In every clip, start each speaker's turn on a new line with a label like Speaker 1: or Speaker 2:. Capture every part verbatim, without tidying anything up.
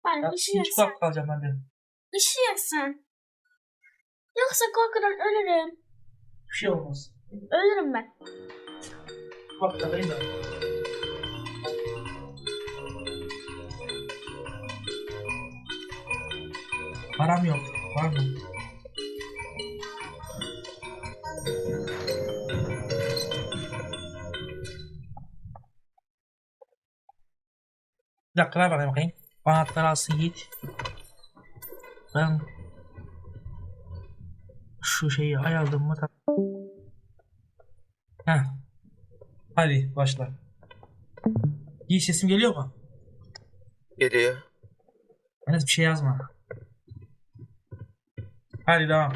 Speaker 1: Ben
Speaker 2: Ya,
Speaker 1: ışığı
Speaker 2: hiç
Speaker 1: yaksan.
Speaker 2: bak kalacağım ben de.
Speaker 1: Işığı yaksan. Yoksa korkudan ölürüm.
Speaker 2: Bir şey olmaz.
Speaker 1: Ölürüm ben.
Speaker 2: Bak kalayım da. Param yok. Var mı? Bir dakika ver bakayım bakayım. Anahtarı alsın Yiğit. Ben şu şeyi ayarladım mı? Heh. Hadi başla. Yiğit sesim geliyor mu?
Speaker 3: Geliyor.
Speaker 2: Henüz bir şey yazma. Hadi devam.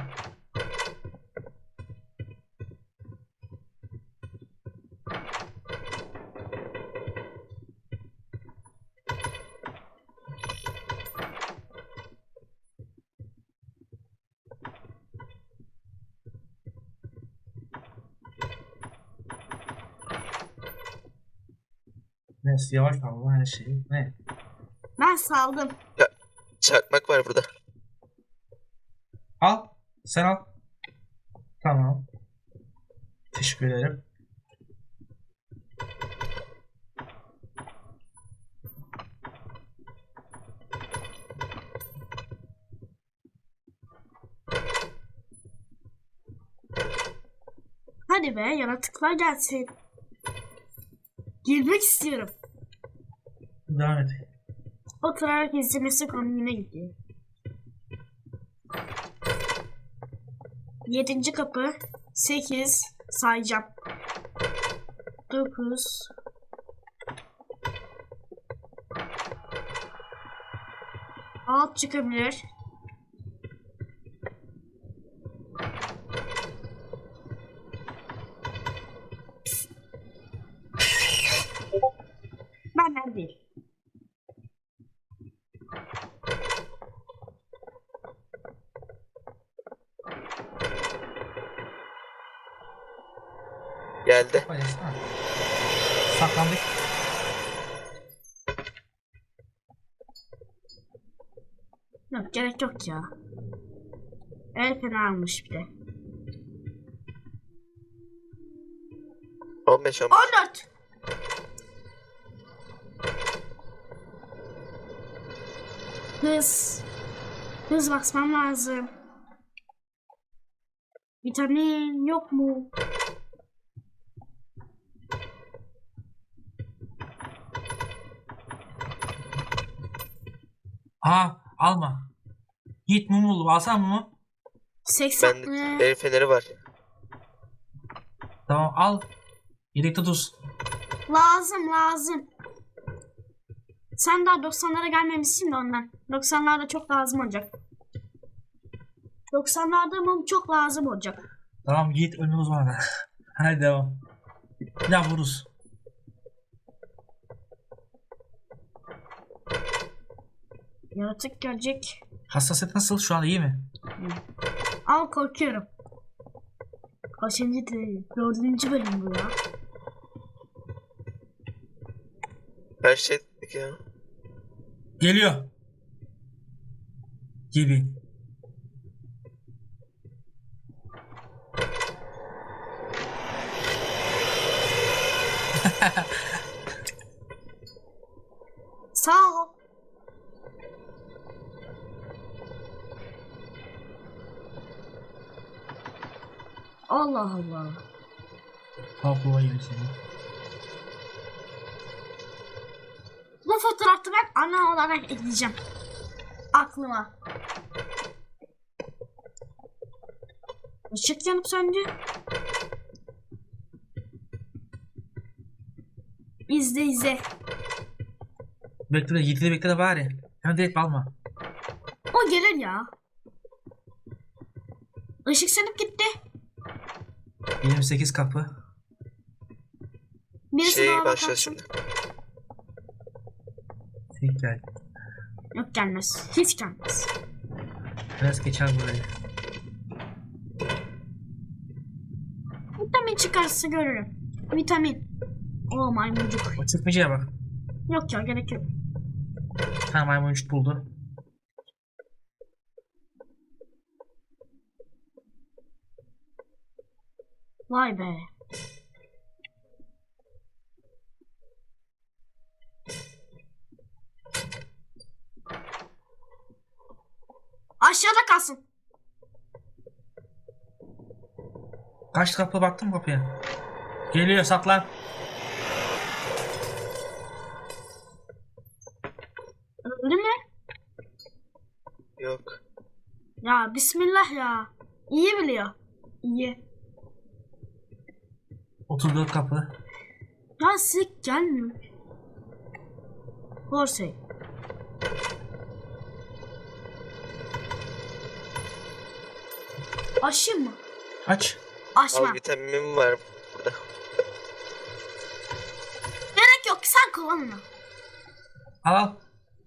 Speaker 2: Neyse yavaş al her şeyi. Ne?
Speaker 1: Ben saldım.
Speaker 3: Çakmak var burada.
Speaker 2: Al. Sen al. Tamam. Teşekkür ederim.
Speaker 1: Hadi be yaratıklar gelsin. Girmek istiyorum.
Speaker 2: Devam et.
Speaker 1: Oturarak izlemesi konuğuna gidiyor. Yedinci kapı. Sekiz. Sayacağım. Dokuz. Alt çıkabilir. Benden değil.
Speaker 3: Geldi.
Speaker 2: Hadi ha. Saklandık.
Speaker 1: Yok gerek yok ya. El fena almış bir de.
Speaker 3: on beş on beş.
Speaker 1: on dört. Hız. Hız basmam lazım. Vitamin yok mu?
Speaker 2: Aa alma. Yiğit mum bul. Alsam mı?
Speaker 1: seksen.
Speaker 3: Bende
Speaker 1: Ee,
Speaker 3: el feneri var.
Speaker 2: Tamam al. Yedekte tuz.
Speaker 1: lazım lazım. Sen daha doksanlara gelmemişsin de ondan. doksanlarda çok lazım olacak. doksanlarda mum çok lazım olacak.
Speaker 2: Tamam Yiğit önünü uzmanı. Hadi devam. Bir daha vururuz.
Speaker 1: Yaratık gelecek.
Speaker 2: Hassasiyet nasıl? Şu an iyi mi?
Speaker 1: Al korkuyorum. Kaçıncı değil? Dördüncü bölüm bu ya.
Speaker 3: Her şey ya.
Speaker 2: Geliyor. Gibi.
Speaker 1: Sağ ol. Allah Allah.
Speaker 2: Tabloya gibi seni.
Speaker 1: Bu fotoğrafı ben ana olarak ekleyeceğim. Aklıma. Işık yanıp söndü. İzle izle.
Speaker 2: Bekle de Yiğit'i de bekle de bari. Hemen direkt alma.
Speaker 1: O gelir ya. Işık sönüp gitti.
Speaker 2: yirmi sekiz kapı.
Speaker 1: Birisi
Speaker 3: Şey
Speaker 1: daha
Speaker 3: başlıyor
Speaker 1: bakarsın.
Speaker 3: şimdi.
Speaker 2: Tekrar.
Speaker 1: Yok gelmez. Hiç gelmez.
Speaker 2: Biraz geçer burayı.
Speaker 1: Vitamin çıkarsa görürüm. Vitamin. O maymuncuk.
Speaker 2: O çıkmayacağına bak.
Speaker 1: Yok ya gerek yok.
Speaker 2: tane maymuncuk buldu.
Speaker 1: Vay be. Aşağıda kalsın.
Speaker 2: Kaç kapı baktım kapıya. Geliyor, saklan.
Speaker 1: Öldü mü?
Speaker 3: Yok.
Speaker 1: Ya bismillah ya. İyi biliyor. İyi.
Speaker 2: otuz dört kapı.
Speaker 1: Ya sik gelmiyor. Horsey. Aşayım mı?
Speaker 2: Aç.
Speaker 1: Açma.
Speaker 3: Al, vitaminim var burada.
Speaker 1: Gerek yok, sen kullan onu.
Speaker 2: Al al.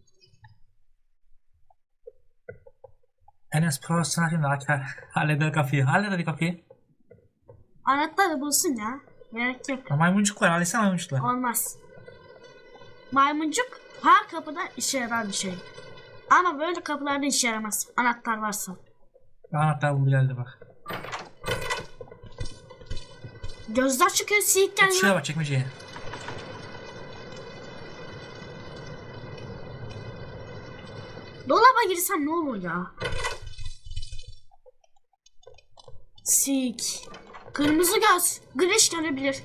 Speaker 2: Enes profesyonel şimdi açar. Halleder kapıyı. Halleder kapıyı.
Speaker 1: Anahtarı bulsun ya. Gerek yok.
Speaker 2: Ya maymuncuk var. Halletsene maymuncukla.
Speaker 1: Olmaz. Maymuncuk her kapıda işe yarar bir şey. Ama böyle kapılarda işe yaramaz. Anahtar varsa.
Speaker 2: Anahtar buldu, geldi bak.
Speaker 1: Gözler çıkıyor, siyik
Speaker 2: Git şuraya
Speaker 1: gelmiyor.
Speaker 2: bak, çekmeceye.
Speaker 1: Dolaba girsem ne olur ya? Sik. Kırmızı göz. Güneş gelebilir.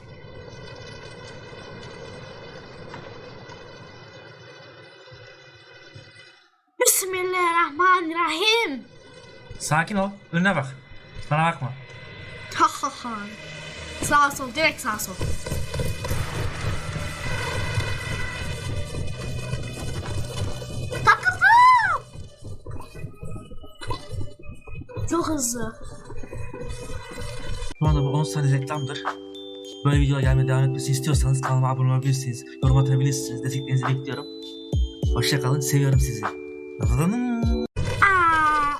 Speaker 1: Bismillahirrahmanirrahim.
Speaker 2: Sakin ol. Önüne bak. Bana bakma.
Speaker 1: Ha ha ha. Sağ sol, direkt sağ sol. Takıldım. Çok hızlı.
Speaker 2: Şu anda bu on saniye reklamdır. Böyle videolar gelmeye devam etmesini istiyorsanız kanalıma abone olabilirsiniz. Yorum atabilirsiniz. Desteklerinizi bekliyorum. Hoşça kalın. Seviyorum sizi.
Speaker 1: Aa.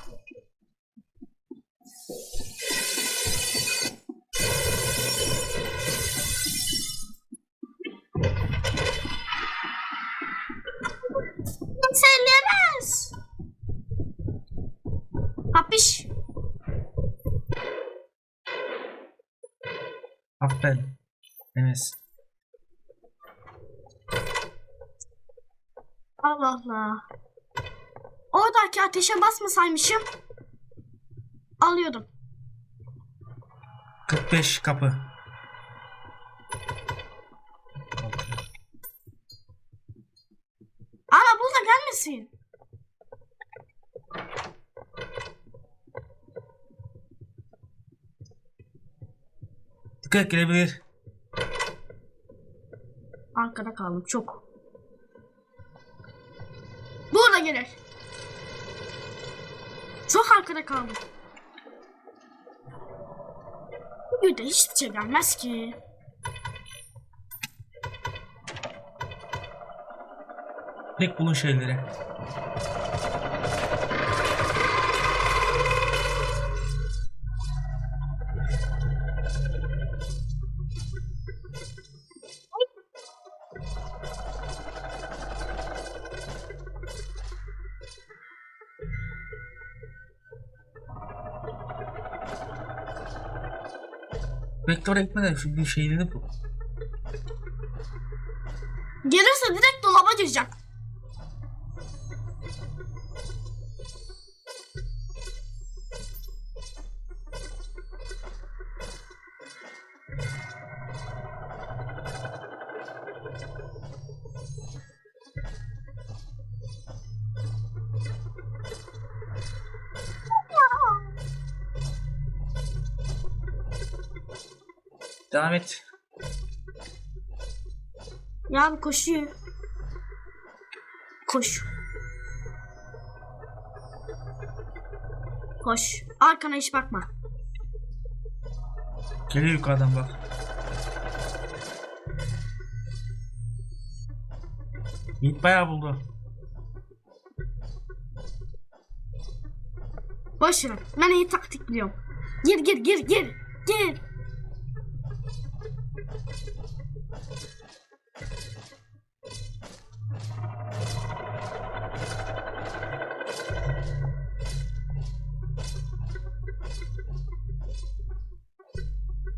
Speaker 1: Söyleyemez. Hapiş.
Speaker 2: Aferin. Enes.
Speaker 1: Allah Allah. Oradaki ateşe basmasaymışım. Alıyordum.
Speaker 2: kırk beş kapı.
Speaker 1: Ama burada gelmesin.
Speaker 2: Dikkat et, gelebilir.
Speaker 1: Arkada kaldım çok. Burada gelir. Çok arkada kaldım. Bir de hiçbir şey gelmez ki.
Speaker 2: Tek bulun şeyleri. Vektör'e gitmeden şu bir şeyleri bu.
Speaker 1: Gelirse direkt dolaba gireceğim.
Speaker 2: Devam et.
Speaker 1: Ya bu koşuyor. Koş. Koş. Arkana hiç bakma.
Speaker 2: Geliyor yukarıdan bak. Yiğit bayağı buldu.
Speaker 1: Boş ver. Ben iyi taktik biliyorum. Gir gir gir gir. Gir.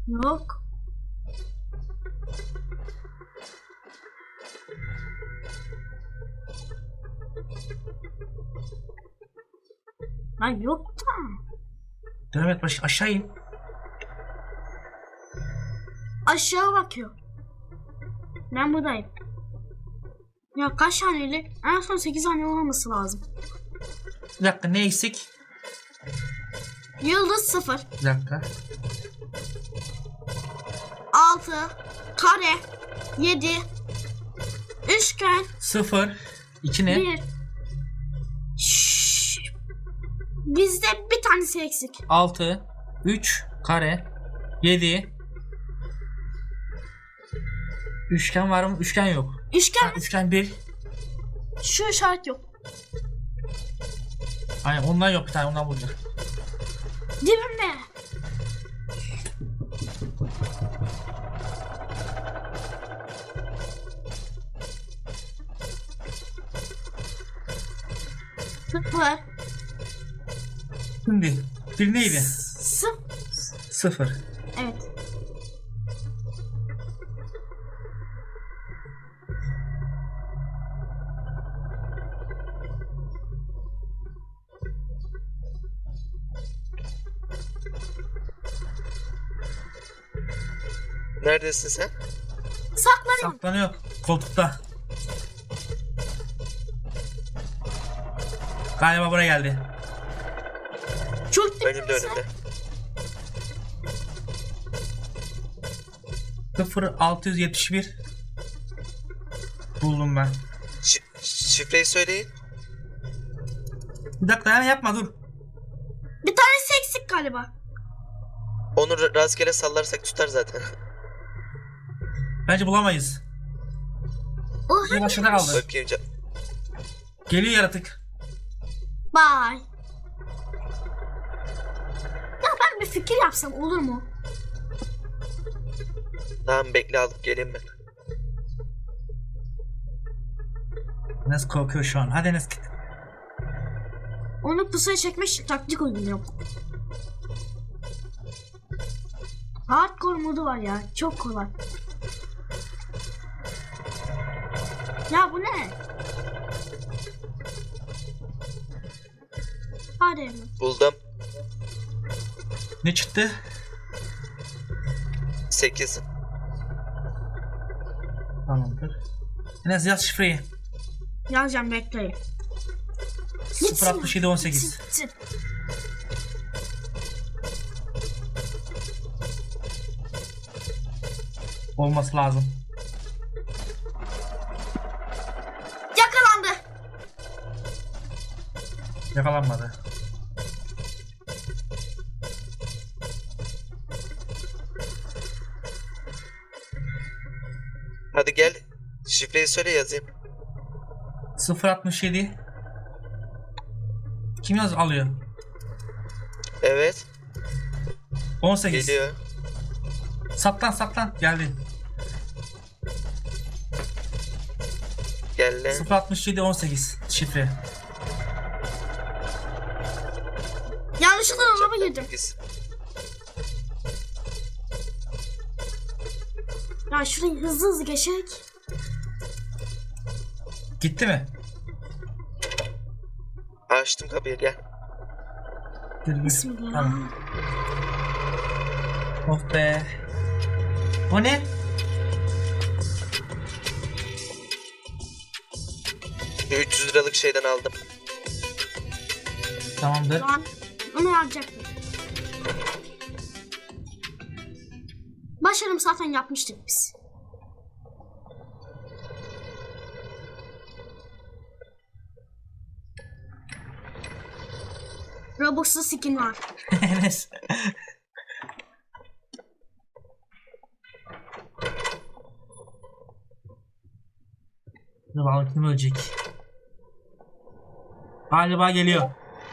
Speaker 1: Yok. Lan yok da.
Speaker 2: Devam et baş aşağı in.
Speaker 1: Aşağı bakıyor. Ben buradayım. Ya kaç haneli? En son sekiz haneli olması lazım.
Speaker 2: Bir dakika ne eksik?
Speaker 1: Yıldız sıfır.
Speaker 2: Bir dakika.
Speaker 1: altı. Kare. yedi. Üçgen.
Speaker 2: Sıfır. iki ne?
Speaker 1: bir. Şşş. Bizde bir tanesi eksik.
Speaker 2: altı. üç. Kare. yedi. Üçgen var mı? Üçgen yok.
Speaker 1: Üçgen
Speaker 2: Ha, üçgen bir.
Speaker 1: şu işaret yok.
Speaker 2: Aynen ondan yok bir tane ondan bulacak.
Speaker 1: Dibimde. Sıfır.
Speaker 2: Şimdi bir neydi?
Speaker 1: Sıfır.
Speaker 2: Sıfır.
Speaker 1: Evet.
Speaker 3: Neredesin sen?
Speaker 1: Saklanıyorum.
Speaker 2: Saklanıyor koltukta. Galiba buraya geldi.
Speaker 1: Çok
Speaker 3: Önümde
Speaker 1: dibimdesin.
Speaker 3: önümde.
Speaker 2: sıfır altı yüz yetmiş bir. Buldum ben.
Speaker 3: Şi- şifreyi söyleyin.
Speaker 2: Bir dakika yani yapma dur.
Speaker 1: Bir tanesi eksik galiba.
Speaker 3: Onu ra- rastgele sallarsak tutar zaten.
Speaker 2: Bence bulamayız.
Speaker 1: O
Speaker 2: Bir başına kaldı.
Speaker 3: Bakayım can.
Speaker 2: Geliyor yaratık.
Speaker 1: Bye. Ya ben bir fikir yapsam olur mu?
Speaker 3: Tamam bekle alıp geleyim ben.
Speaker 2: Enes korkuyor şu an. Hadi Enes git.
Speaker 1: Onu pusuya çekmek için taktik uyguluyorum. Hardcore modu var ya. Çok kolay. Ya bu ne? Hadi evim.
Speaker 3: Buldum.
Speaker 2: Ne çıktı?
Speaker 3: sekiz.
Speaker 2: Tamamdır. Enes yaz şifreyi.
Speaker 1: Yazacağım bekleyin.
Speaker 2: sıfır altmış yedi on sekiz.
Speaker 1: Gitsin.
Speaker 2: Olması lazım.
Speaker 1: Yakalandı.
Speaker 2: Yakalanmadı.
Speaker 3: Hadi gel. Şifreyi söyle yazayım.
Speaker 2: sıfır altmış yedi. Kim yaz alıyor?
Speaker 3: Evet.
Speaker 2: on sekiz.
Speaker 3: Geliyor.
Speaker 2: Saklan saklan. Geldi.
Speaker 3: Gel lan.
Speaker 2: sıfır altmış yedi on sekiz şifre.
Speaker 1: Yanlışlıkla dolaba girdim.
Speaker 3: sekiz.
Speaker 1: Ya şurayı hızlı hızlı geçerek.
Speaker 2: Gitti mi?
Speaker 3: Açtım kapıyı gel.
Speaker 2: Gir, gir.
Speaker 1: Bismillah.
Speaker 2: Tamam. Oh be. O ne?
Speaker 3: üç yüz liralık şeyden aldım.
Speaker 2: Tamamdır.
Speaker 1: Şu an onu yapacaktım. Başarım zaten yapmıştık biz. Robux'lu skin var.
Speaker 2: Enes. Dur bakalım kim ölecek. Galiba geliyor.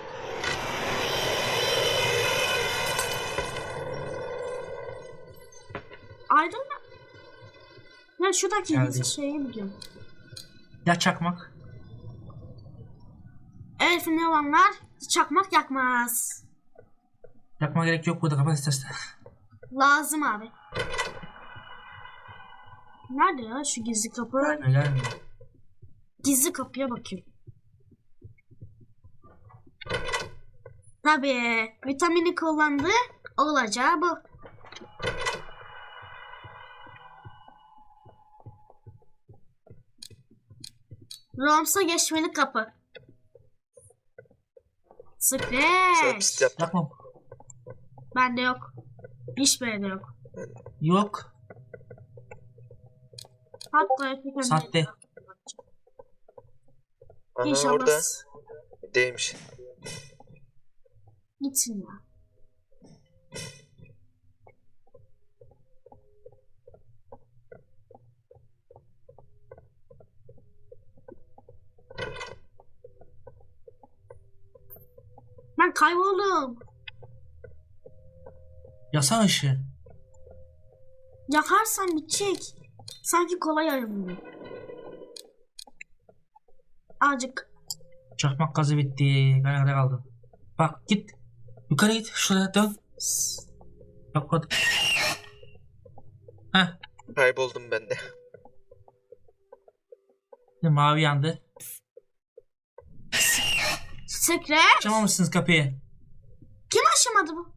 Speaker 1: Aydın mı? Ya şuradaki
Speaker 2: Geldi.
Speaker 1: şeyi biliyorum.
Speaker 2: Ya çakmak.
Speaker 1: Elfin ne olanlar çakmak yakmaz.
Speaker 2: Yakma gerek yok burada kapat istersen.
Speaker 1: Lazım abi. Nerede ya şu gizli kapı?
Speaker 2: Gelmiyor gelmiyor.
Speaker 1: Gizli kapıya bakayım. Tabii. Vitamini kullandı. Olacağı bu. Roms'a geçmeli kapı.
Speaker 3: Sana
Speaker 1: Scratch.
Speaker 3: pist yaptım.
Speaker 2: Yapmam.
Speaker 1: Bende yok. Hiçbir yerde yok.
Speaker 2: Yok.
Speaker 1: Hatta yapayım.
Speaker 2: Sahte.
Speaker 3: Aha
Speaker 1: İnşallah
Speaker 3: orada değilmiş.
Speaker 1: gitsin ya. Ben kayboldum.
Speaker 2: Yasa ışığı.
Speaker 1: Yakarsan bitecek. Sanki kolay ayrılıyor. Azıcık.
Speaker 2: Çakmak gazı bitti. Ben nerede kaldım? Bak git. Yukarı git. Şuraya dön. Bak bak. Heh.
Speaker 3: Kayboldum ben de.
Speaker 2: Mavi yandı.
Speaker 1: Secret.
Speaker 2: Açamamışsınız kapıyı.
Speaker 1: Kim aşamadı bu?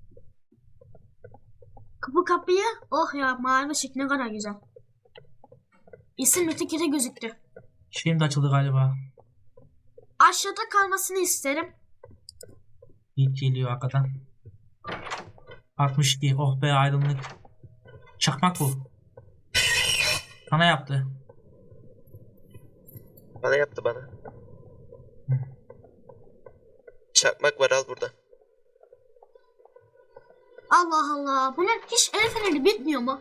Speaker 1: Bu kapıyı. Oh ya mavi ışık ne kadar güzel. İsim ötekide gözüktü.
Speaker 2: Şimdi açıldı galiba.
Speaker 1: Aşağıda kalmasını isterim.
Speaker 2: İlk geliyor arkadan. altmış iki. Oh be aydınlık. Çakmak bu. Sana yaptı.
Speaker 3: Bana yaptı bana. Çakmak var al burada.
Speaker 1: Allah Allah. Bunun hiç el feneri bitmiyor mu?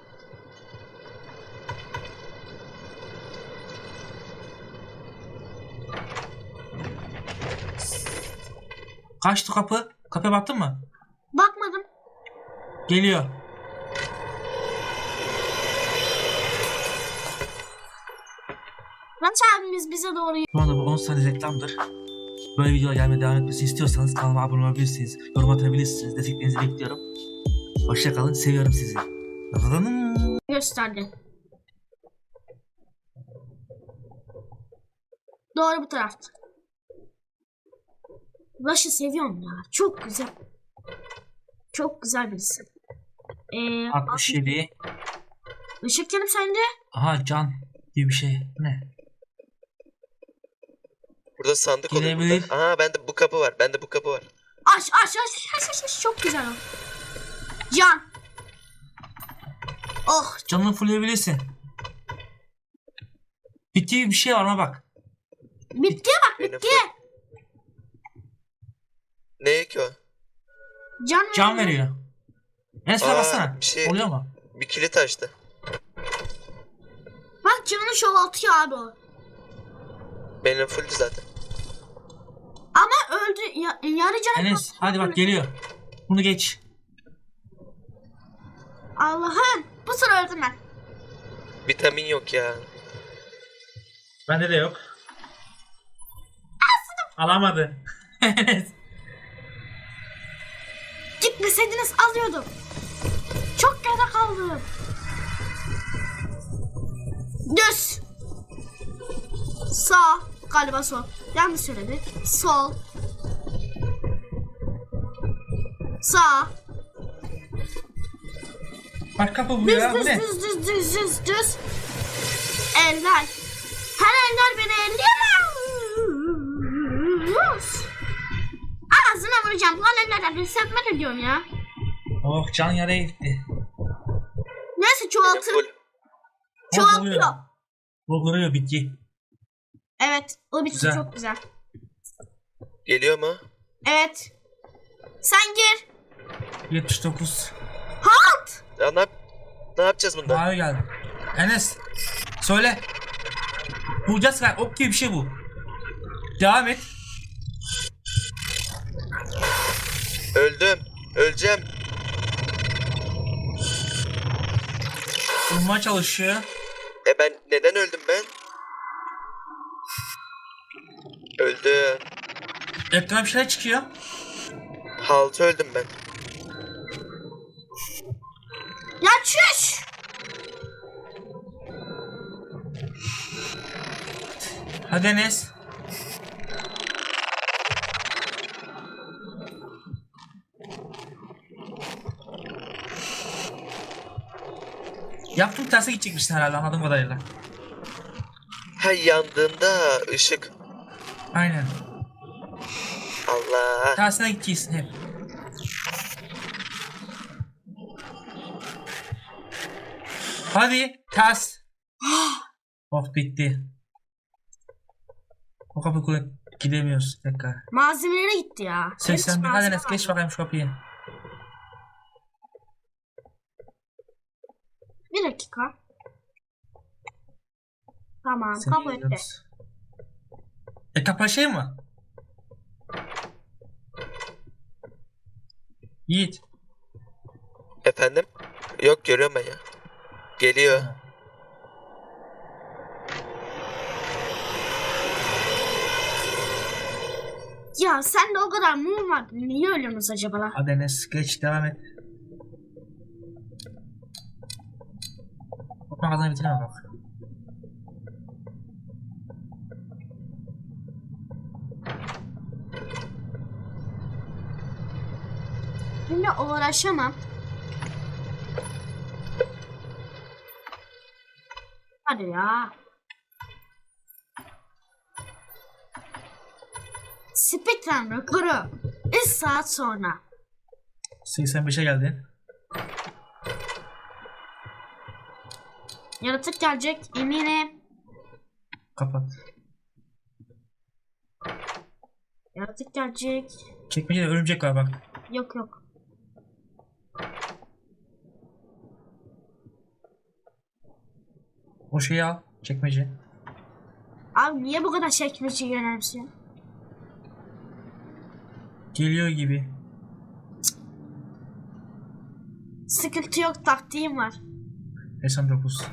Speaker 2: Kaçtı kapı? Kapıya baktın mı?
Speaker 1: Bakmadım.
Speaker 2: Geliyor.
Speaker 1: Raç abimiz bize doğru.
Speaker 2: Şu anda bu on saniye reklamdır. Böyle videolar gelmeye devam etmesini istiyorsanız kanalıma abone olabilirsiniz. Yorum atabilirsiniz. Desteklerinizi bekliyorum. Hoşça kalın. Seviyorum sizi. Dadadadın.
Speaker 1: gösterdi. Doğru bu tarafta. Rush'ı seviyorum ya. Çok güzel. Çok güzel birisi. Ee,
Speaker 2: altmış yedi.
Speaker 1: Işık yanım sende.
Speaker 2: Aha can diye bir şey. Ne?
Speaker 3: Burada sandık oluyor
Speaker 2: Gelebilir.
Speaker 3: burada. Aha bende bu kapı var. Bende bu kapı var.
Speaker 1: Aç aç aç aç aç aç. Çok güzel o. Can. Oh.
Speaker 2: Canını fullleyebilirsin. Bittiği bir şey var ama bak.
Speaker 1: Bitti bak
Speaker 3: Benim
Speaker 1: bitti.
Speaker 3: full- Ne ki o?
Speaker 1: Can,
Speaker 2: Can veriyor. Enes'e
Speaker 3: Aa,
Speaker 2: bassana.
Speaker 3: bir şey-
Speaker 2: Oluyor mu?
Speaker 3: Bir kilit açtı.
Speaker 1: Bak canını çoğaltıyor abi o.
Speaker 3: Benim fulldü zaten.
Speaker 1: Ama öldü. Ya, yarı canı.
Speaker 2: Enes hadi bak geliyor. Bunu geç.
Speaker 1: Allah'ım. Bu sıra öldüm ben.
Speaker 3: Vitamin yok ya.
Speaker 2: Bende de yok. Alamadı. Enes.
Speaker 1: Gitmeseydiniz alıyordum. Çok geride kaldım. Düz. Sağ. Galiba sol. Yanlış söyledi. Sol. Sağ.
Speaker 2: Bak kapı bu
Speaker 1: Düz
Speaker 2: ya. Bu
Speaker 1: düz
Speaker 2: ne?
Speaker 1: düz düz düz düz düz. Eller. Her eller beni elleyemez. Ağzına vuracağım. Lan ellerden bir sepmet ediyorsun ya.
Speaker 2: Oh can yaraya gitti.
Speaker 1: Neyse
Speaker 3: Benim
Speaker 1: çoğaltır.
Speaker 3: full.
Speaker 1: Çoğaltıyor.
Speaker 2: Vurguruyor bitki.
Speaker 1: Evet. O bitki
Speaker 2: Güzel.
Speaker 1: çok güzel.
Speaker 3: Geliyor mu?
Speaker 1: Evet. Sen gir.
Speaker 2: yetmiş dokuz.
Speaker 1: Halt.
Speaker 3: Ya ne, yap ne yapacağız bunda?
Speaker 2: Mavi geldi. Enes. Söyle. Bulacağız galiba. Ok gibi bir şey bu. Devam et.
Speaker 3: Öldüm. Öleceğim.
Speaker 2: Bulmaya çalışıyor.
Speaker 3: E ben neden öldüm ben? Öldüm.
Speaker 2: Ekrana bir şeyler çıkıyor.
Speaker 3: Haltı öldüm ben.
Speaker 1: Ya çüş.
Speaker 2: Hadi Enes. Yaptım terse gidecekmişsin herhalde anladığım kadarıyla.
Speaker 3: Ha, yandığında ışık.
Speaker 2: Aynen.
Speaker 3: Allah.
Speaker 2: Tersine gideceksin hep. Hadi ters. Oh bitti. O kapı kule gidemiyoruz tekrar.
Speaker 1: Malzemelere gitti ya.
Speaker 2: seksen bir.
Speaker 1: Hiç
Speaker 2: Hadi
Speaker 1: malzeme
Speaker 2: Enes
Speaker 1: var.
Speaker 2: geç bakayım şu kapıyı.
Speaker 1: Bir dakika. Tamam,
Speaker 2: Seni
Speaker 1: kabul etti.
Speaker 2: izliyoruz. E kapı şey mi? Yiğit.
Speaker 3: Efendim? Yok, görüyorum ben ya. Geliyor.
Speaker 1: Ya sen de o kadar mum var. Niye ölüyorsunuz acaba lan?
Speaker 2: Hadi Enes geç devam et. Bak magazini bitireme bak.
Speaker 1: Şimdi uğraşamam. Hadi ya. Speedrun rekoru. üç saat sonra.
Speaker 2: seksen beşe geldin.
Speaker 1: Yaratık gelecek eminim.
Speaker 2: Kapat.
Speaker 1: Yaratık gelecek.
Speaker 2: Çekmecede örümcek var bak.
Speaker 1: Yok yok.
Speaker 2: O şeyi al. Çekmece.
Speaker 1: Abi niye bu kadar çekmeceyi önemsiyorsun?
Speaker 2: Geliyor gibi.
Speaker 1: Sıkıntı yok, taktiğim var.
Speaker 2: seksen dokuz.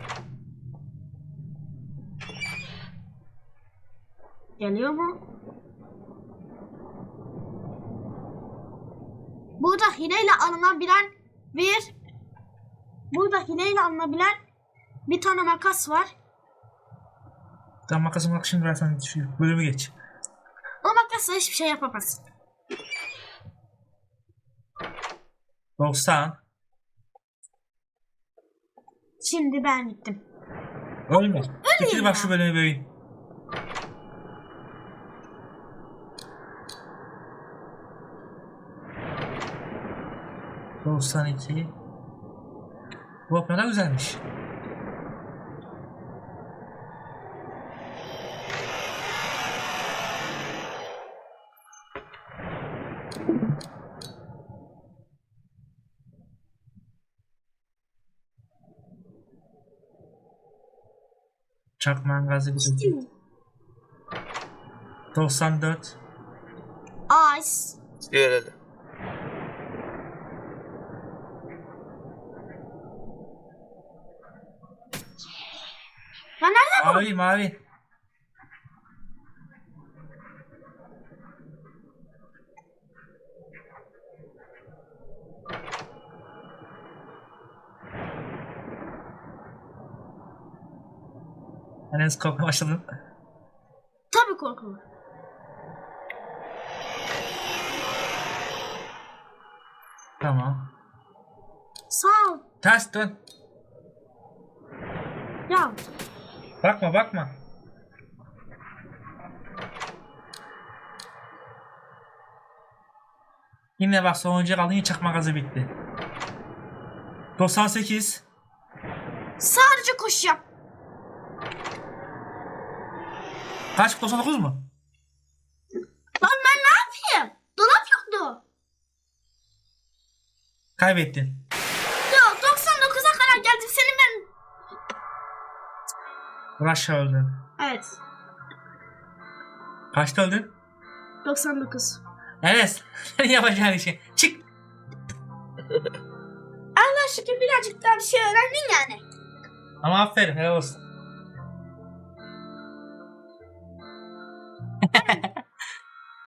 Speaker 1: Geliyor mu? Burada hileyle alınabilen bir Burada hileyle alınabilen bir tane makas var.
Speaker 2: Tamam makasım bak şimdi versen şu bölümü geç.
Speaker 1: O makasla hiçbir şey yapamazsın.
Speaker 2: doksan.
Speaker 1: Şimdi ben gittim.
Speaker 2: Ölme. Getir
Speaker 1: ya.
Speaker 2: bak şu bölümü bölüm. doksan iki. Bu ne kadar güzelmiş. Çakman gazı bir doksan dört.
Speaker 1: Ice.
Speaker 3: Diyor herhalde.
Speaker 1: Ya nerede bu?
Speaker 2: Mavi mavi. Enes korkmaya başladın.
Speaker 1: Tabii korkulur.
Speaker 2: Tamam.
Speaker 1: Sağ ol.
Speaker 2: Ters dön.
Speaker 1: Ya
Speaker 2: Bakma bakma. Yine bak sonuncuya kaldın yine çakma gazı bitti. doksan sekiz.
Speaker 1: sadece koşacağım.
Speaker 2: Kaç? doksan dokuz mu?
Speaker 1: Lan ben ne yapayım? Dolap yoktu.
Speaker 2: Kaybettin.
Speaker 1: Ya doksan dokuza kadar geldim senin ben.
Speaker 2: Rush öldün.
Speaker 1: Evet.
Speaker 2: Kaçta öldün?
Speaker 1: doksan dokuz.
Speaker 2: Enes. Senin yapacağın işi. Çık.
Speaker 1: Allah şükür birazcık daha bir şey öğrendin yani.
Speaker 2: Ama aferin. Helal olsun.